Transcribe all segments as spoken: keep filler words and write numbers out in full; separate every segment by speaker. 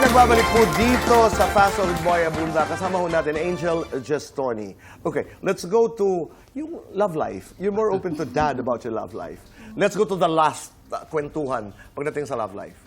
Speaker 1: nagbabalik po dito sa Fast with Boy Abunda. Kasama ho natin Angel Gestoni. Okay, let's go to yung love life. You're more open to dad about your love life. Let's go to the last uh, kwentuhan pagdating sa love life.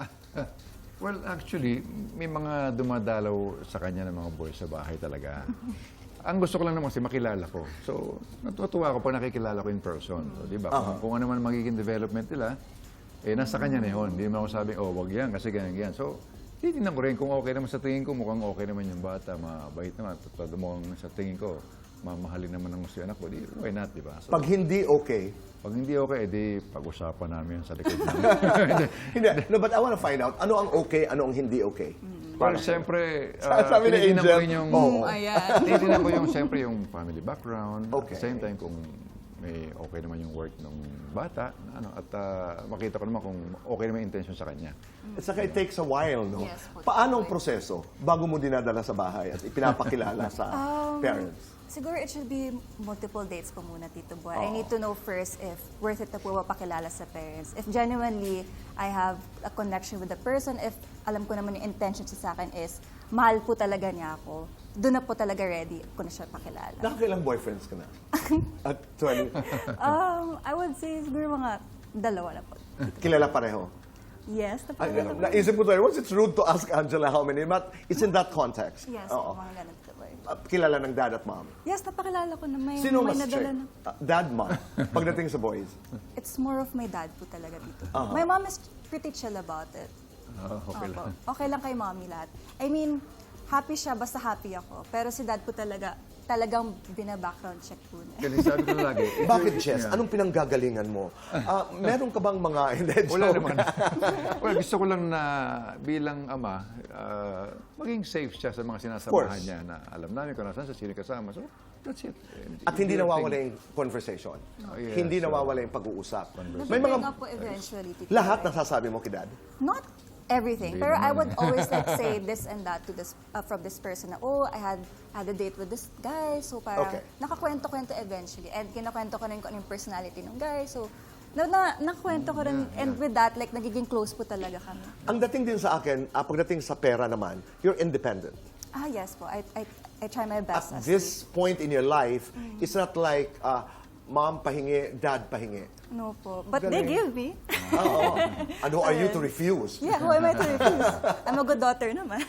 Speaker 2: Well, actually, may mga dumadalaw sa kanya ng mga boys sa bahay talaga. Ang gusto ko lang naman kasi makilala ko. So, natutuwa ako pag nakikilala ko in person. So, di ba? Kung, kung ano man magiging development nila, eh, nasa kanya na yun. Hindi naman ako sabing, oh, wag yan, kasi ganyan, ganyan. So, titignan ko rin kung okay naman sa tingin ko, mukhang okay naman yung bata, mabait naman. Todo mo sa tingin ko, mamahalin naman ng gusto yung anak ko, di, why not, di ba? So,
Speaker 1: Pag hindi okay,
Speaker 2: pag hindi okay, edi pag-usapan namin yan sa likod namin.
Speaker 1: hindi. No, but I want to find out, ano ang okay, ano ang hindi okay?
Speaker 2: Well, siyempre,
Speaker 1: Sa- sabi ni
Speaker 2: tinitingnan ko
Speaker 1: Angel,
Speaker 2: rin yung,
Speaker 1: oo.
Speaker 3: Ayan.
Speaker 2: tinitingnan ko yung, siyempre, yung family background.
Speaker 1: Okay.
Speaker 2: At the same time, kung may okay naman yung work ng bata, ano, at ah, makita ko naman kung okay naman yung intention sa kanya.
Speaker 1: At saka it takes a while, no?
Speaker 3: Yes, po.
Speaker 1: Paano ang proseso bago mo dinadala sa bahay at ipinapakilala sa
Speaker 3: Um,
Speaker 1: parents?
Speaker 3: Siguro it should be multiple dates po muna, Tito Boy. I need to know first if worth it na po mapakilala sa parents. If genuinely I have a connection with the person, if alam ko naman yung intention siya sa akin is mahal po talaga niya ako, doon na po talaga ready ko na siya pakilala.
Speaker 1: Nakakailang boyfriends ka na? At twenty?
Speaker 3: Um, I would say siguro mga dalawa na po.
Speaker 1: Kilala pareho?
Speaker 3: Yes,
Speaker 1: Ay,
Speaker 3: napakilala po.
Speaker 1: naisip ko tayo, once it's rude to ask Angela how many, but it's in that context.
Speaker 3: Yes,
Speaker 1: Oo.
Speaker 3: mga ganun, Tito Boy.
Speaker 1: Uh, kilala ng dad at mom.
Speaker 3: Yes, napakilala ko na may,
Speaker 1: Sino
Speaker 3: may
Speaker 1: mas
Speaker 3: nadala
Speaker 1: strict?
Speaker 3: na.
Speaker 1: Uh, dad, mom. Pagdating sa boys.
Speaker 3: It's more of my dad po talaga dito.
Speaker 1: Uh-huh.
Speaker 3: My mom is pretty chill about it.
Speaker 2: Ah, okay
Speaker 3: Opo.
Speaker 2: lang.
Speaker 3: Okay lang kay mommy lahat. I mean, happy siya basta happy ako. Pero si dad po talaga, talagang bina-background check po niya.
Speaker 2: Kasi sabi ko lagi, if
Speaker 1: Bakit,
Speaker 2: you-
Speaker 1: Jess?
Speaker 2: Yeah.
Speaker 1: Anong pinanggagalingan mo? Ah, meron ka bang mga... Hindi,
Speaker 2: Wala
Speaker 1: joke.
Speaker 2: naman. Well, gusto ko lang na bilang ama, ah, maging safe siya sa mga
Speaker 1: course.
Speaker 2: sinasamahan niya na alam namin kung nasaan sa sino kasama. So, that's it.
Speaker 1: At hindi nawawala yung conversation.
Speaker 2: Oh, yes.
Speaker 1: Hindi
Speaker 2: So,
Speaker 1: nawawala yung pag-uusap. May
Speaker 3: May
Speaker 1: mga...
Speaker 3: po eventually. Tito
Speaker 1: Lahat
Speaker 3: Boy.
Speaker 1: nasasabi mo kay dad?
Speaker 3: Not everything.
Speaker 2: Hindi
Speaker 3: Pero I
Speaker 2: naman.
Speaker 3: would always like say this and that to this uh, from this person na, oh, I had had a date with this guy. So parang
Speaker 1: Okay.
Speaker 3: nakakwento-kwento eventually. And kinakwento ko rin kung ano yung personality ng guy. So na, na, nakwento ko rin. And with that, like, nagiging close po talaga kami.
Speaker 1: Ang dating din sa akin, ah, pagdating sa pera naman, you're independent.
Speaker 3: Ah, yes po. I, I, I try my
Speaker 1: At
Speaker 3: best. as
Speaker 1: this point in your life, it's not like ah, mom pahingi, dad pahingi.
Speaker 3: to- No po. But they
Speaker 1: Galing.
Speaker 3: give me.
Speaker 1: Oo. And who are you to refuse?
Speaker 3: Yeah, who am I to refuse? I'm a good daughter naman.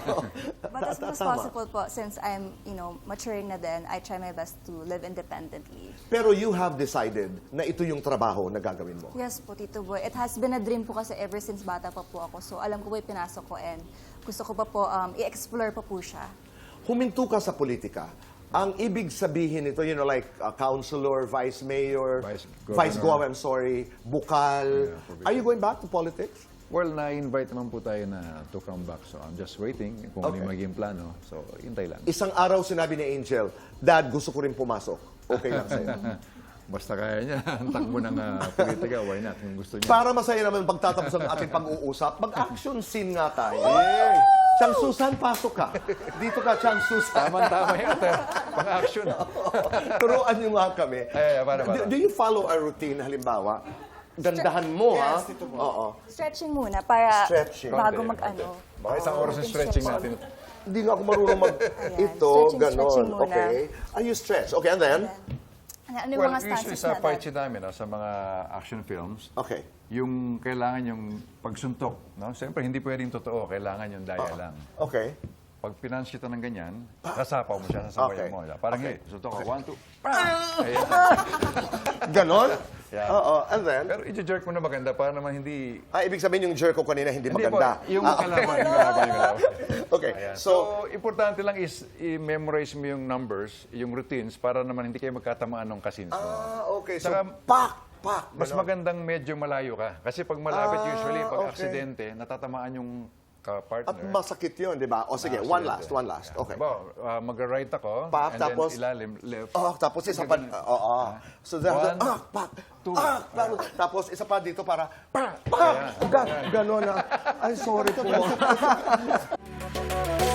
Speaker 3: But as much as
Speaker 1: Tama.
Speaker 3: possible po, since I'm, you know, maturing na din, I try my best to live independently.
Speaker 1: Pero you have decided na ito yung trabaho na gagawin mo.
Speaker 3: Yes po, Tito Boy. It has been a dream po kasi ever since bata pa po ako. So alam ko po yung pinasok ko and gusto ko pa po um, i-explore pa po siya.
Speaker 1: Huminto ka sa politika. Ang ibig sabihin nito, you know, like uh, councilor, vice mayor,
Speaker 2: Vice
Speaker 1: vice
Speaker 2: governor.
Speaker 1: governor, I'm sorry, bukal.
Speaker 2: Yeah, provincial.
Speaker 1: Are you going back to politics?
Speaker 2: Well, na-invite naman po tayo na to come back. So, I'm just waiting kung ano yung
Speaker 1: Okay.
Speaker 2: magiging plano. So, hintay lang.
Speaker 1: Isang araw sinabi ni Angel, Dad, gusto ko rin pumasok. Okay lang sa'yo.
Speaker 2: Basta kaya niya, ang takbo ng uh, politika, why not? Kung gusto niya.
Speaker 1: Para masaya naman pagtatapos ang ating pag-uusap, mag-action scene nga tayo. Chang Susan, pasok ka. Dito ka, Chang Susan.
Speaker 2: Tama-tama yan. Pang-action.
Speaker 1: Turuan niyo nga kami.
Speaker 2: Eh, para, para.
Speaker 1: Do, do you follow a routine, halimbawa? Dandahan mo, ha?
Speaker 3: Yes, Tito Boy.
Speaker 1: Oo.
Speaker 3: Stretching muna para
Speaker 1: Stretching.
Speaker 3: bago
Speaker 2: Konti,
Speaker 3: mag-ano.
Speaker 2: Baka isang oras yung stretching natin.
Speaker 1: Hindi nga ako marunong mag...
Speaker 3: Ayan.
Speaker 1: Ito,
Speaker 3: Stretching,
Speaker 1: ganon.
Speaker 3: stretching muna.
Speaker 1: Okay. Ah, you stretch. Okay, and then?
Speaker 3: Ano, ano yung
Speaker 2: Well,
Speaker 3: mga
Speaker 2: usually
Speaker 3: stances
Speaker 2: sa
Speaker 3: natin?
Speaker 2: party namin, ah, sa mga action films,
Speaker 1: Okay.
Speaker 2: yung kailangan yung pagsuntok. No? Siyempre, hindi pwedeng totoo. Kailangan yung daya lang.
Speaker 1: Okay.
Speaker 2: Pag pinansyita ng ganyan, sasapaw mo siya, sasabayan
Speaker 1: Okay.
Speaker 2: mo. Parang
Speaker 1: Okay.
Speaker 2: okay. suntok ka. One, two, pa! Ayan.
Speaker 1: Ganon?
Speaker 2: Yeah.
Speaker 1: Oo. And then?
Speaker 2: Pero i-jerk mo na maganda para naman hindi...
Speaker 1: Ah, ibig sabihin yung jerk ko kanina hindi
Speaker 2: Hindi
Speaker 1: maganda.
Speaker 2: po, yung
Speaker 1: Ah,
Speaker 2: kalaban, yung kalaban, yung kalaban.
Speaker 1: Okay.
Speaker 2: Ayan.
Speaker 1: So,
Speaker 2: So, importante lang is i-memorize mo yung numbers, yung routines, para naman hindi kayo magkatamaan ng kasins mo.
Speaker 1: ah, okay. So,
Speaker 2: Saka,
Speaker 1: pak, pak.
Speaker 2: Mas
Speaker 1: ganon.
Speaker 2: magandang medyo malayo ka. Kasi pag malapit
Speaker 1: Ah,
Speaker 2: usually, pag
Speaker 1: okay.
Speaker 2: aksidente, natatamaan yung
Speaker 1: At
Speaker 2: ka-partner.
Speaker 1: masakit yun, di ba? O sige,
Speaker 2: Ah,
Speaker 1: one
Speaker 2: aksidente.
Speaker 1: last, one last. Okay.
Speaker 2: Diba, uh, mag-right ako,
Speaker 1: Pak,
Speaker 2: and
Speaker 1: tapos-
Speaker 2: then ilalim, left.
Speaker 1: Oh, tapos isa pa, oo. Oh, So, that,
Speaker 2: One,
Speaker 1: ah, pak,
Speaker 2: two.
Speaker 1: ah, tapos, tapos isa pa dito para, pak, pak, ga, ganon na. Ay, sorry po.